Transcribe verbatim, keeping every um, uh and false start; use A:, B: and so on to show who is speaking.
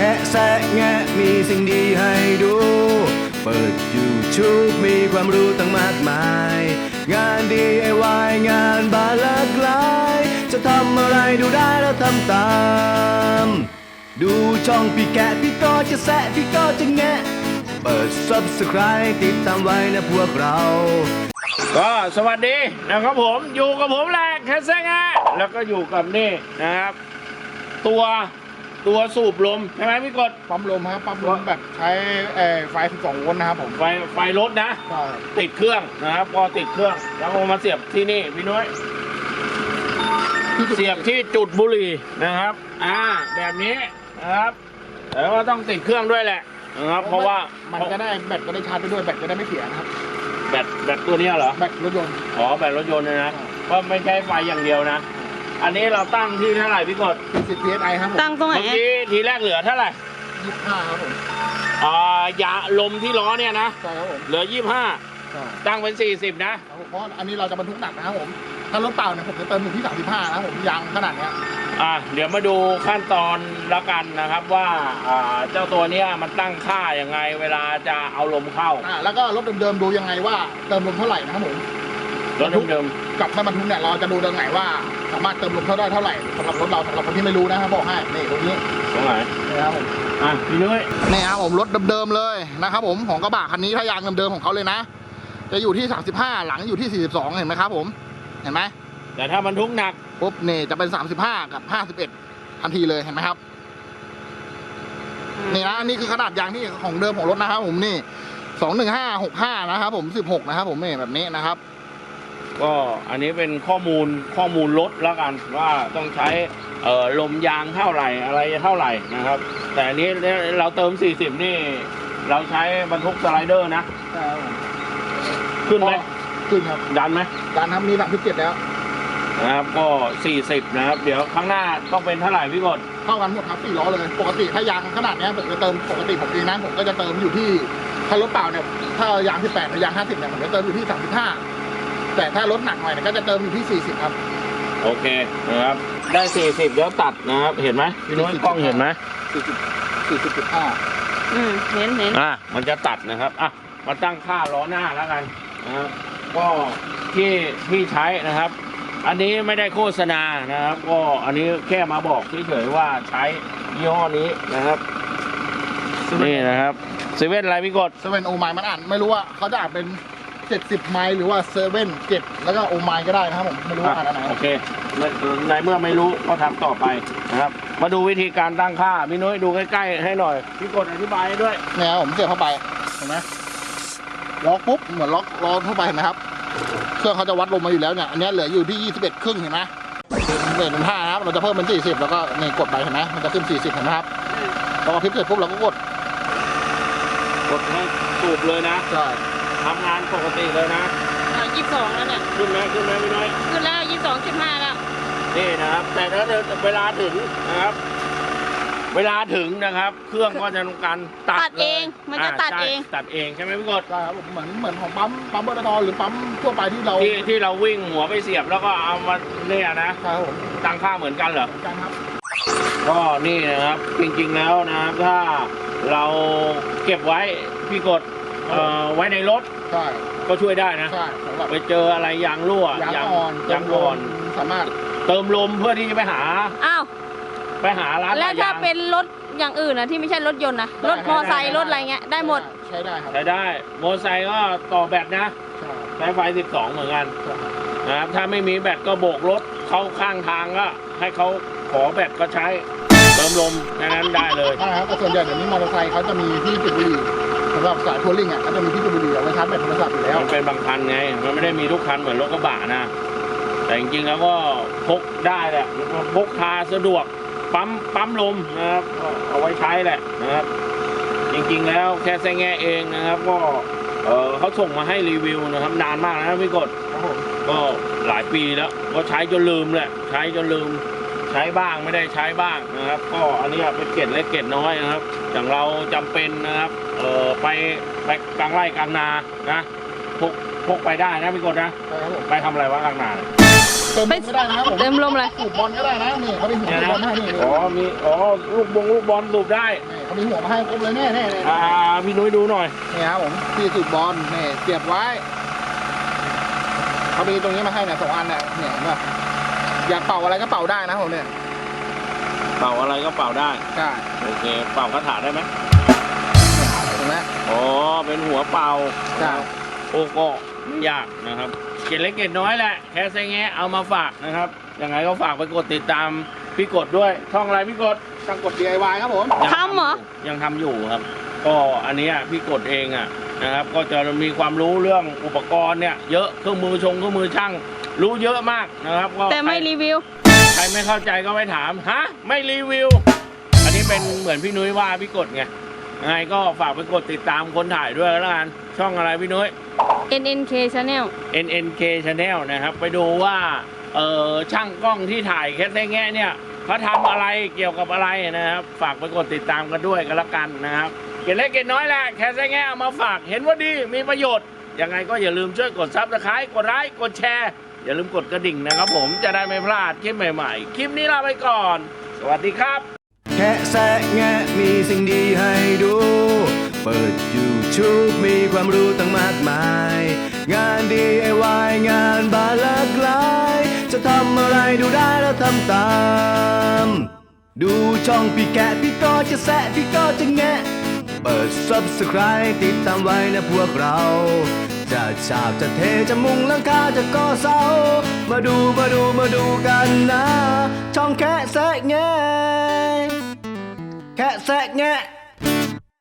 A: ะแซะแงะมีสิ่งดีให้ดู เปิด YouTube มีความรู้ตั้งมากมาย งาน ดี ไอ วาย งานบานหลากหลายจะทำอะไรดูได้แล้วทำตามดูช่องพี่แกะพี่ก็จะแซะพี่ก็จะแงะเปิด Subscribe ติดตามไว้นะพวกเรา
B: ก็สวัสดีนะครับผมอยู่กับผมแหละแคสเซ่งะแล้วก็อยู่กับนี่นะครับตัวตัวสูบลมใช่ไหมพี่กด
C: ปั๊มลมครับปั๊มลมแบบใช้ไฟสิบสองโวลต์นะครับผม
B: ไฟไฟรถนะติดเครื่องนะครับพอติดเครื่องแล้วเอามาเสียบที่นี่พี่น้อยเสียบที่จุดบุหรี่นะครับอ่าแบบนี้นะครับแล้วก็ต้องติดเครื่องด้วยแหละนะครับเพราะว่า
C: มันจะได้แบตก็ได้ชาร์จไปด้วยแบตจะได้ไม่เสียนะครับ
B: แบตแบตตัวนี้เหรอ
C: แบตรถยนต์
B: อ๋อแบตรถยนต์นะก็ไม่ใช่ไฟอย่างเดียวนะอันนี้เราตั้งที่เท่าไหร่พี่กด
C: สิบ พี เอส ไอ ครับผม
D: ตั้งตรงไหน
B: เมื่อกี้ทีแรกเหลือเท่าไหร่
C: ยี่สิบห้าครับผม
B: อ่ายาลมที่ล้อเนี่ยนะ
C: ใช่ครับผม
B: เหลือยี่สิบห้าตั้งเป็นสี่สิบนะ
C: เพราะอันนี้เราจะบรรทุกหนักนะครับผมถ้ารถเปล่าเนี่ยผมจะเติมอยู่ที่สามสิบห้านะผมยางขนาดเนี้ย
B: อ่าเดี๋ยวมาดูขั้นตอนละกันนะครับว่าอ่าเจ้าตัวเนี้ยมันตั้งค่ายังไงเวลาจะเอาลมเข้า
C: อ่าแล้วก็รถเดิมๆดูยังไงว่าเติมลมเท่าไหร่นะครับผม
B: รถเดิม
C: ๆกับไม่บรรทุกเนี่ยเราจะดูตรงไหนว่าสามารถเติมลมเท่าได้เท่าไหร่สำหรับรถเราสำหรับคนที่ไม่รู้นะครับบอกให้นี่ตรงนี้
B: ตรงไหน
C: นี่ครับผม
B: อ่ะพี่นุ้ย
C: นี่ครับผมรถเดิมๆเลยนะครับผมของกระบะคันนี้ถ้ายางเดิมๆของเขาเลยนะจะอยู่ที่สามสิบห้าหลังอยู่ที่สี่สิบสองเห็นไหมครับผมเห็นไหม
B: แต่ถ้าบรรทุกหนัก
C: ปุ๊บนี่จะเป็นสามสิบห้ากับห้าสิบเอ็ดทันทีเลยเห็นไหมครับนี่นะนี่คือขนาดยางที่ของเดิมของรถนะครับผมนี่สองหนึ่งห้าหกห้านะครับผมสิบหกนะครับผมนี่แบบนี้นะครับ
B: ก็อันนี้เป็นข้อมูลข้อมูลรถแล้วกันว่าต้องใช้เอ่อลมยางเท่าไหร่อะไรเท่าไหร่นะครับแต่อันนี้เราเติมสี่สิบนี่เราใช้บรรทุกสไลเดอร์นะขึ้นไหม
C: ขึ้นครับ
B: ดันไหม
C: ดันครับมีหลังที่เจ็ดแล้ว
B: นะครับก็สี่สิบนะครับเดี๋ยวข้างหน้าต้องเป็นเท่าไหร่พี่กด
C: เท่ากันหมดครับสี่ล้อเลยปกติถ้ายางขนาดนี้ผมจะเติมปกติผมเองนะผมก็จะเติมอยู่ที่ถ้ารถเปล่าเนี่ยถ้ายางที่แปดยางห้าสิบเนี่ยผมจะเติมอยู่ที่สามสิบห้าแต่ถ้ารถหนักหน่อยเนี่ยก็จะเติมอยู่ที่สี่สิบครับ
B: โอเคนะครับได้สี่สิบแล้วตัดนะครับเห็นไหมพี่นุ้ยกล้องเห็นไหม
C: สี่สิบสี่สิบจุดห้า
D: อืมเห็นเห็น
B: อ่ะมันจะตัดนะครับอ่ะมาตั้งค่าล้อหน้าแล้วกันนะครับก็ที่ที่ใช้นะครับอันนี้ไม่ได้โฆษณานะครับก็อันนี้แค่มาบอกเฉยๆว่าใช้ยี่ห้อนี้นะครับนี่นะครับเซเว่นอะไรพี่กด
C: เซเว่นโอไมล์มันอ่านไม่รู้ว่าเขาจะอ่านเป็นเจ็ดสิบไมล์หรือว่าเซเว่นเจ็ดแล้วก็โอไมล์ก็ได้นะครับผมไม่รู้ว่าอ่านอะไร
B: โอเคในเมื่อไม่รู้ก็ทำต่อไปนะครับมาดูวิธีการตั้งค่าพี่นุ้ยดูใกล้ๆให้หน่อยพี่กดอธิบายให้ด้วย
C: เนี่ยผมเสียบเข้าไปเห็นไหมล็อกปุ๊บเหมือนล็อกล็อกเข้าไปเห็นไหมครับเครื่องเขาจะวัดลมมาอยู่แล้วเนี่ยอันนี้เหลืออยู่ที่ยี่สิบเอ็ดครึ่งเห็นไหมเบ็ดเป็นห้านะครับเราจะเพิ่มเป็นสี่สิบแล้วก็นี่กดไปเห็นไหมมันจะขึ้นสี่สิบเห็นไหมครับพอพลิกเสร็จปุ๊บเราก็กด
B: กดให้สูบเลยนะ
C: ใช่
B: ทำงานปกติเลยนะ
D: ยี่สิบสองแล้วเนี่ย
B: ขึ้นไหมขึ้นไหมพี่น้อย
D: ขึ้นแล้วยี่สิบสองจุดห้าแล้ว
B: นี่นะครับแต่ถ้าเวลาถึงนะครับเวลาถึงนะครับเครื่องก็จะทำการตัด
D: เองมันจะตัดเอง
B: ตัดเองใช่ไหมพี่กด
C: ใช่ครับเหมือนเหมือนของปั๊มปั๊มเบอร์ตอหรือปั๊มทั่วไปที่เรา
B: ที่ที่เราวิ่งหัวไปเสียบแล้วก็เอามาเนี่ยนะ
C: ใช่ครับผม
B: ตั้งค่าเหมือนกันเหรอ
C: เหมือนกันครับ
B: ก็นี่นะครับจริงๆแล้วนะครับถ้าเราเก็บไว้พี่กดเอ่อไว้ในรถ
C: ใช่
B: ก็ช่วยได้นะ
C: ใช่
B: ไปเจออะไรยางรั่วย
C: างอ่อน
B: ยางอ่อน
C: สามารถ
B: เติมลมเพื่อที่จะไปหา
D: อ้าว
B: ไปหาร้าน
D: แล้วถ้าเป็นรถอย่างอื่นนะที่ไม่ใช่รถยนต์นะรถมอไซค์รถอะไรเงี้ยได้หมด
C: ใช้ได้ครับ
B: ใช้ได้มอไซค์ก็ต่อแบตนะใช้ไฟสิบสองเหมือนกันนะครับถ้าไม่มีแบตก็โบกรถเข้าข้างทางก็ให้เขาขอแบตก็ใช้เติมลมแค่นั้นได้เลย
C: ใช่ครับแต่ส่วนใหญ่เดี๋ยวนี้มอเตอร์ไซค์เขาจะมีที่จุดบุหรี่สำหรับสายทัวริงอ่ะเขาจะมีที่จุดบุหรี่เอาไว้ชาร์จแบตโทรศัพท์อยู่แล้ว
B: มันเป็นบางคันไงมันไม่ได้มีทุกคันเหมือนรถกระบะนะแต่จริงๆแล้วก็พกได้แหละพกพาสะดวกปั๊มปั๊มลมนะครับเอาไว้ใช้แหละนะครับจริงๆแล้วแค่แซงแง่เองนะครับก็เออเขาส่งมาให้รีวิวนะครับนานมากนะพี่กดก็หลายปีแล้วก็ใช้จนลืมแหละใช้จนลืมใช้บ้างไม่ได้ใช้บ้างนะครับก็อันนี้เป็นเกล็ดเล็กเกล็ดน้อยนะครับอย่างเราจำเป็นนะครับเออไปไปกลางไร่กลางนานะพกพกไปได้นะพี่กดนะไปทำอะไรวะกลางนา
C: เติมลมก็ได้นะครับผม
D: เติมลมเลย
C: สูบบอลก็ได้นะนี่เขามีหัว
B: เนี่ย
C: สูบบอล
B: นะ
C: ให้นี่นี่
B: อ๋อมีอ๋อลูกบงลูกบอลสูบได้
C: เขามีหัวมาให้ครบเลยแน่แน่เลย
B: อ่าพี่นุ้ยดูหน่อย
C: นี่ครับผมที่สูบบอลนี่เสียบไว้เขามีตรงนี้มาให้เนี่ยสองอันเนี่ยเนี่ยเห็นป่ะอยากเป่าอะไรก็เป่าได้นะผมเนี่ย
B: เป่าอะไรก็เป่าได้
C: ใช่
B: โอเคเป่ากระถาได้ไหม
C: เห็นไหม
B: อ๋อเป็นหัวเป่า
C: ใช่
B: โอ้ก็ไม่ยากนะครับเกล็ดเล็กเกล็ดน้อยแหละแค่ไซแงะเอามาฝากนะครับยังไงก็ฝากไปกดติดตามพี่กดด้วยช่องอะไรพี่กด
C: ช่างกด ดี ไอ วาย ครับผม
B: ยัง
D: ทำเหรอ
B: ยู่ยังทำอยู่ครับ ก็อันเนี้ยพี่กดเองอ่ะนะครับ ก็จะมีความรู้เรื่องอุปกรณ์เนี่ยเยอะเครื่องมือชงเครื่องมือช่างรู้เยอะมากนะครับก็
D: แต่ไม่
B: ใคร
D: รีวิว
B: ใครไม่เข้าใจก็ไปถามฮะไม่รีวิว อันนี้เป็นเหมือนพี่นุ้ยว่าพี่กดไงยังไงก็ฝากไปกดติดตามคนถ่ายด้วยแล้วกันช่องอะไรพี่นุ้ย
D: เอ็น เอ็น เค Channel
B: เอ็น เอ็น เค Channel นะครับไปดูว่าเออช่างกล้องที่ถ่ายแค่แง่เนี่ยเขาทำอะไรเกี่ยวกับอะไรนะครับฝากไปกดติดตามกันด้วยกันละกันนะครับเกล็ดเล็กเกล็ดน้อยแหละแค่แง่เอามาฝากเห็นว่าดีมีประโยชน์ยังไงก็อย่าลืมช่วยกดซับสไครต์กดไลค์กดแชร์อย่าลืมกดกระดิ่งนะครับผมจะได้ไม่พลาดคลิปใหม่ๆคลิปนี้ลาไปก่อน สวัสดีครับ
A: แค่แซะแงะมีสิ่งดีให้ดู เปิด YouTube มีความรู้ตั้งมากมาย งาน ดี ไอ วาย งานบานหลากหลาย จะทำอะไรดูได้แล้วทำตาม ดูช่องพี่แกะพี่ก็จะแซะพี่ก็จะแงะ เปิด Subscribe ติดตามไว้นะพวกเรา จะฉาบจะเทจะมุงหลังคาจะก่อเสา มาดูมาดูมาดูกันนะ ช่องแค่แซะแงะแค่แซะแงะ